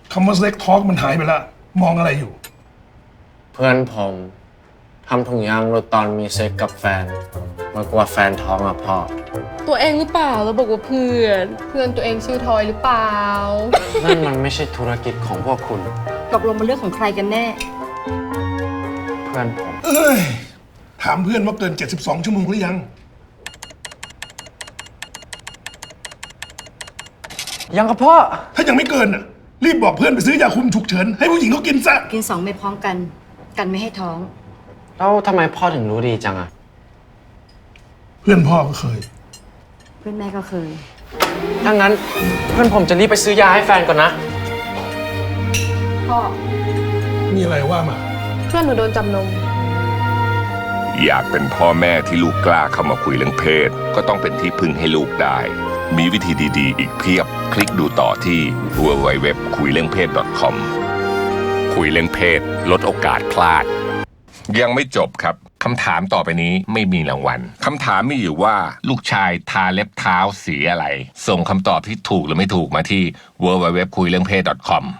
คำว่าเซ็กทอล์กมันหายไปละมองอะไรอยู่เพื่อนผมทำถุงยางรถตอนมีเซ็กกับแฟนมากกว่าแฟนท้องอะพ่อตัวเองหรือเปล่าเราบอกว่าเพื่อนตัวเองชื่อทอยหรือเปล่านั่นมันไม่ใช่ธุรกิจของพวกคุณตกลงมันเรื่องของใครกันแน่เพื่อนผมเอ้ยถามเพื่อนว่าเกิน 72 ชั่วโมงหรือยังยังกับพ่อถ้ายังไม่เกินน่ะรีบบอกเพื่อนไปซื้อยาคุมฉุกเฉินให้ผู้หญิงเขากินซะกิน2 เม็ดพร้อมกัน กันไม่ให้ท้องแล้วทำไมพ่อถึงรู้ดีจังอะเพื่อนพ่อก็เคยเพื่อนแม่ก็เคยถ้างั้นเพื่อนผมจะรีบไปซื้อยาให้แฟนก่อนนะพ่อมีอะไรว่ามาเพื่อนหนูโดนจับนมอยากเป็นพ่อแม่ที่ลูกกล้าเข้ามาคุยเรื่องเพศ ก็ต้องเป็นที่พึ่งให้ลูกได้ มีวิธีดีๆ อีกเพียบ คลิกดูต่อที่ www.kuileungphet.com คุยเรื่องเพศลดโอกาสพลาด ยังไม่จบครับ คำถามต่อไปนี้ไม่มีรางวัล คำถามมีอยู่ว่าลูกชายทาเล็บเท้าสีอะไร ส่งคำตอบที่ถูกหรือไม่ถูกมาที่ www.kuileungphet.com